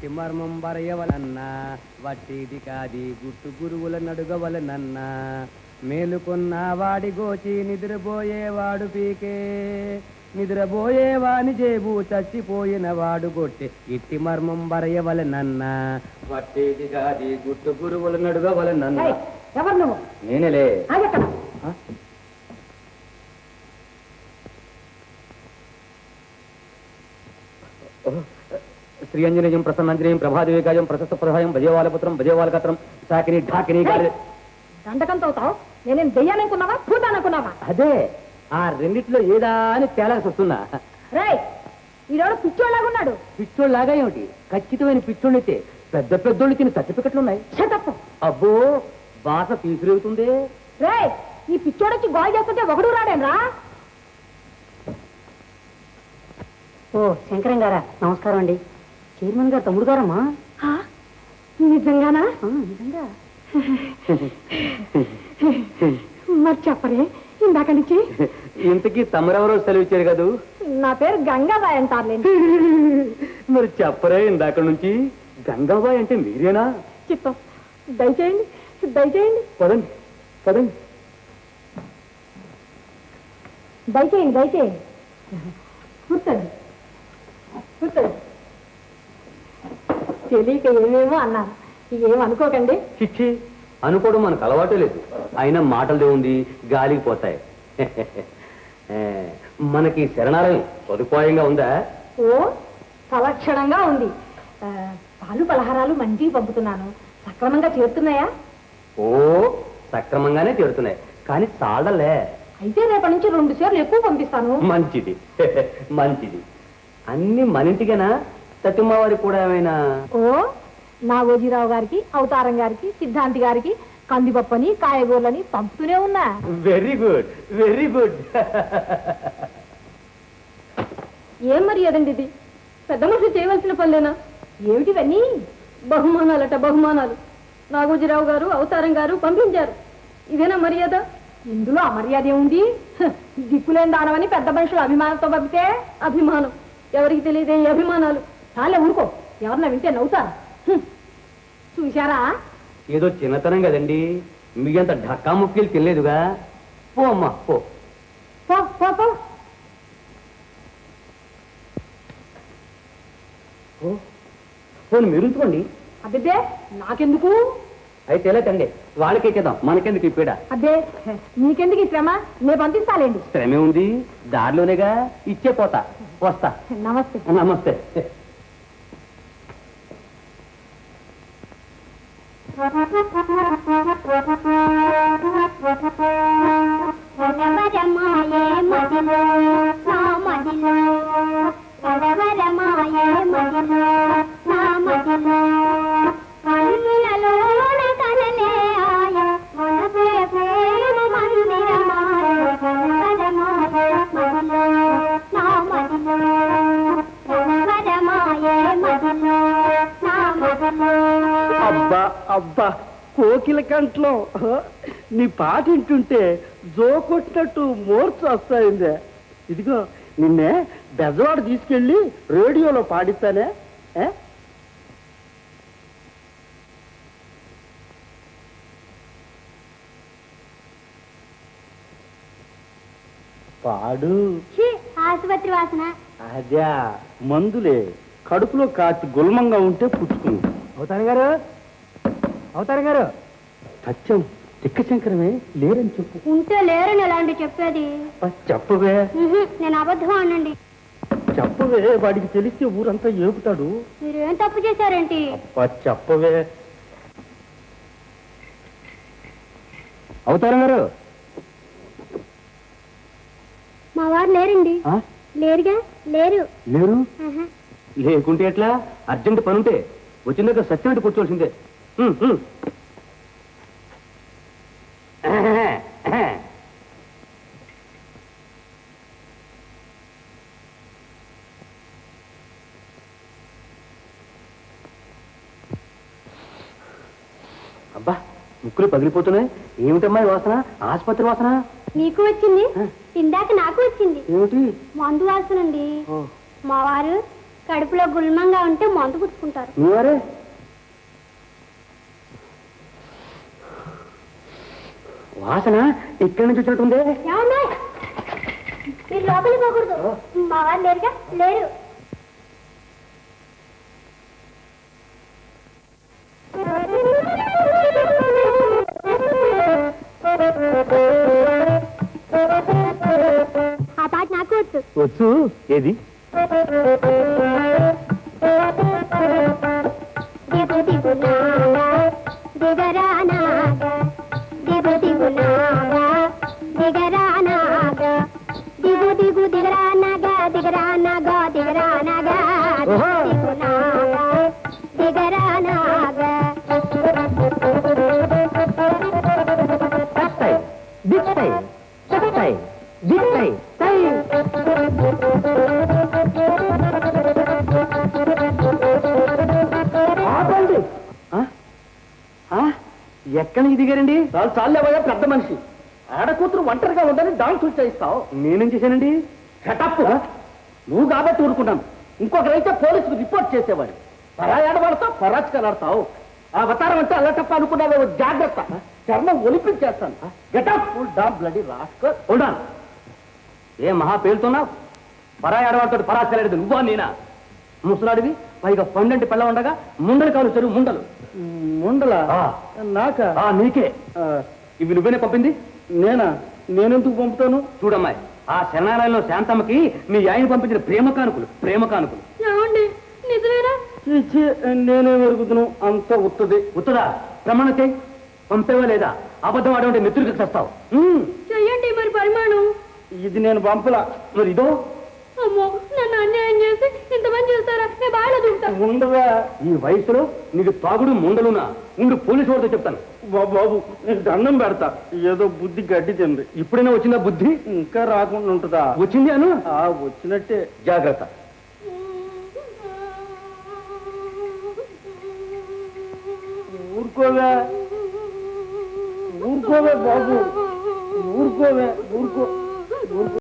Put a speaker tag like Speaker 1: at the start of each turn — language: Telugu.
Speaker 1: ఇట్టి మర్మం బరయవలన్నా వట్టిది కాది గుట్టు గురువుల నడుగవలనన్నా మేలుకున్న వాడి గోచి నిద్రపోయేవాడు పీకే నిద్రపోయేవాని జేబు చచ్చిపోయిన వాడు గొట్టె ఇట్టి మర్మం బరయవలనన్నా వట్టిది కాది గుట్టు గురువుల నడుగవలనన్నా.
Speaker 2: ఎవరు నువ్వు?
Speaker 1: నేనేలే. శ్రీయంజనేయం ప్రసన్నాంజనేయం ప్రభాదేవికాయం ప్రశస్త ప్రధాయం భజేవాలపుత్రం భజేవాలకత్రం సాకిని ఢాకిని
Speaker 2: దండకంతో అవుతావు. నేనేం దెయ్యాలనుకున్నావా పూతాననుకున్నావా?
Speaker 1: అదే ఆ రెండిట్లో ఏదా అని తేలాల్సి వస్తున్నా.
Speaker 2: రేయ్ ఈరోడు పిచ్చోళ్ళలాగున్నాడు.
Speaker 1: పిచ్చోళ్ళలాగా ఏమిటి? ఖచ్చితమైన పిచ్చోళ్ళైతే పెద్ద పెద్దోళ్ళు తిని సర్టిఫికెట్లు ఉన్నాయి. అబ్బో బాస తీసుకురేగుతుంది.
Speaker 2: రేయ్ ఈ పిచ్చోడొచ్చి గోల్ చేస్తుంటే ఒకడు రాడేనరా? ఓ శంకరం గారా, నమస్కారం అండి. చైర్మన్ గారు తమ్ముడు గారమ్మా. నిజంగానా? నిజంగా. మరి చెప్పరే ఇందాక నుంచి.
Speaker 1: ఇంతకీ తమరెవరో సెలవిచ్చారు కదూ?
Speaker 2: నా పేరు గంగాబాయ్ అంటారులేండి.
Speaker 1: మరి చెప్పరే ఇందాక నుంచి. గంగాబాయ్ అంటే మీరేనా?
Speaker 2: చిత్తం దయచేయండి దయచేయండి.
Speaker 1: పదండి పదండి
Speaker 2: దయచేయండి దయచేయండి. కూర్చోండి కూర్చోండి. తెలియక ఏమేమో అన్నారు, ఏమనుకోకండి.
Speaker 1: చిచ్చి అనుకోవడం మనకు అలవాటే లేదు. అయినా మాటలదే ఉంది, గాలికి పోతాయి. మనకి శరణాలయం సదుపాయంగా ఉందా?
Speaker 2: ఓ సలక్షణంగా ఉంది. పాలు పలహారాలు మంచిగా పంపుతున్నాను. సక్రమంగా చేరుతున్నాయా?
Speaker 1: ఓ సక్రమంగానే చేరుతున్నాయి, కానీ చాలలే.
Speaker 2: అయితే రేపటి నుంచి 2 సార్లు ఎక్కువ పంపిస్తాను.
Speaker 1: మంచిది మంచిది. అన్ని మన ఇంటికేనా? సత్యమ్మ వారికి కూడా ఏమైనా?
Speaker 2: ఓ నాగోజీరావు గారికి, అవతారం గారికి, సిద్ధాంతి గారికి కందిపప్పని కాయగూరలని పంపుతూనే ఉన్నా.
Speaker 1: Very good very good.
Speaker 2: ఏం మరి అదండి ఇది? పెద్ద మనుషులు చేయవలసిన పనులేనా? ఏమిటివన్నీ? బహుమానాలట బహుమానాలు. నాగోజీరావు గారు, అవతారం గారు పంపించారు. ఇదేనా మర్యాద? ఇందులో అమర్యాద ఏముంది? దిక్కులేని దానమని పెద్ద మనుషులు అభిమానంతో పంపితే అభిమానం. ఎవరికి తెలియదే ఈ అభిమానాలు. చాలే ఊరుకో, ఎవరన్నా వింటే నవ్వుతారు. చూశారా?
Speaker 1: ఏదో చిన్నతనం కదండి, మీ అంత ఢక్కా ముక్కీలు తెలియదుగా. పో అమ్మా పో. పోనీ మీరు ఉంచుకోండి.
Speaker 2: అబ్బే నాకెందుకు?
Speaker 1: అయితే ఎలా తండి, వాళ్ళకి ఇచ్చేద్దాం, మనకెందుకు ఈ పీడ?
Speaker 2: అబ్బే నీకెందుకు ఈ శ్రమ? నేను పంపిస్తాలేండి.
Speaker 1: శ్రమే ఉంది, దారిలోనేగా. ఇచ్చే పోతా, వస్తా.
Speaker 2: నమస్తే.
Speaker 1: నమస్తే.
Speaker 3: అబ్బా అబ్బా కోకిల కంట్లో నీ పాట వింటుంటే జో కొట్టినట్టు మోర్చు వస్తాయిందే. ఇదిగో నిన్నే బెజవాడ తీసుకెళ్ళి రేడియోలో పాడిస్తానే. పాడు.
Speaker 2: ఆసుపత్రి వాసన.
Speaker 3: అదే మందులే, కడుపులో కాచి గుల్మంగా ఉంటే పుచ్చుకుంది.
Speaker 1: అవతారం గారు, అవతారం గారు.
Speaker 3: సత్యం తిక్కశంకరమే లేరని చెప్పు.
Speaker 2: ఉంటే లేరని ఎలాంటి చెప్పేది?
Speaker 3: చెప్పవే.
Speaker 2: నేను అబద్ధం అనండి.
Speaker 3: చెప్పవే, వాడికి తెలిస్తే ఊరంతా ఏపుతాడు.
Speaker 2: మీరేం తప్పు చేశారేంటి?
Speaker 3: చెప్పవే.
Speaker 1: అవతారం గారు.
Speaker 2: మా వారు లేరండి. లేరుగా? లేరు.
Speaker 1: లేరు? లేకుంటే ఎట్లా? అర్జెంట్ పనుంటే వచ్చిందాక సత్యం కూర్చోవలసిందే. అబ్బా ముక్కులు పగిలిపోతున్నాయి. ఏమిటమ్మా ఈ వాసన? ఆసుపత్రి వాసన.
Speaker 2: నీకు వచ్చింది, ఇందాక నాకు వచ్చింది.
Speaker 1: ఏమిటి?
Speaker 2: మందు వాసనండి. మా వారు కడుపులో గుల్మంగా ఉంటే మందు పుచ్చుకుంటారు.
Speaker 3: నువ్వరే వాసన ఇక్కడి నుంచి వచ్చినట్టుందే.
Speaker 2: మీరు లోపలికి పోకూడదు, మా వారు లేరుగా. లేరు. ఆ పాట నాకు వచ్చు.
Speaker 3: వచ్చు. ఏది?
Speaker 2: దిగు దిగు నాగా దిగరా నాగా దిగు దిగు నాగా దిగరా నాగా దిగు దిగు దిగరా నాగా దిగరా నాగా దిగరా నాగా దిగు నాగా దిగరా నాగా.
Speaker 3: ఎక్కడి నుంచి దిగారండి?
Speaker 1: చాలు చాలేవయ్యా పెద్ద మనిషి. ఆడకూతురు ఒంటరిగా ఉందని డాన్స్ చేయిస్తావు.
Speaker 3: నేనేం చేశానండి?
Speaker 1: షటప్. నువ్వు కాబట్టి ఊరుకున్నాను. ఇంకొకరైతే పోలీసుకు రిపోర్ట్ చేసేవాడు. పరాయాడబడతావు, పరాచకాలాడతావు. ఆ అవతారం అంటే అల్లటప్ప అనుకున్నావే. జాగ్రత్త, చర్మం ఒలిపించేస్తాను. Get up damn bloody rascal.
Speaker 3: ఉండాలి. ఏ మహా పేలుతున్నావు? పరాయి ఆడవాడితో పరాచలేడు నువ్వా నేనా? ముసలాడివి, పైగా పండంటి పిల్ల ఉండగా ముండలు కాదు చెరువు ముండలు.
Speaker 1: ముండలా? నాక?
Speaker 3: నీకే. ఇవి నువ్వేనే పంపింది?
Speaker 1: నేనా? నేనెందుకు పంపుతాను?
Speaker 3: చూడమ్మాయి, ఆ శరణాలయంలో శాంతమ్మకి మీ ఆయన పంపించిన ప్రేమ కానుకలు.
Speaker 2: ఏమండి, నిజమేనా?
Speaker 1: నేనే వెరుగుతున్నాను. అంత ఉత్తది.
Speaker 3: ఉత్తదా? ప్రమాణం చేయి. పంపేవా లేదా? అబద్ధం ఆడమంటే మిత్రుడికి తెస్తావు.
Speaker 2: చెయ్యండి మరి పరిమాణం.
Speaker 1: ఇది నేను పంపలా.
Speaker 3: మరి ఇదో.
Speaker 2: అమ్మో, నన్ను అన్యాయం చేసి ఇంతమంది చేస్తారా? నేను బాగా దూకుతా.
Speaker 1: ఉండదా?
Speaker 3: ఈ వయసులో నీకు తాగుడు ముండలునా? ఉండు, పోలీసు వాడితో చెప్తాను.
Speaker 1: బాబు, నేను దండం పెడతా. ఏదో బుద్ధి గడ్డి తింది.
Speaker 3: ఇప్పుడైనా వచ్చిందా బుద్ధి?
Speaker 1: ఇంకా రాకుండా ఉంటుందా?
Speaker 3: వచ్చింది అను.
Speaker 1: వచ్చినట్టే.
Speaker 3: జాగ్రత్త.
Speaker 1: ఊరుకోవే బాబు, ఊరుకోవే. ఊరుకో.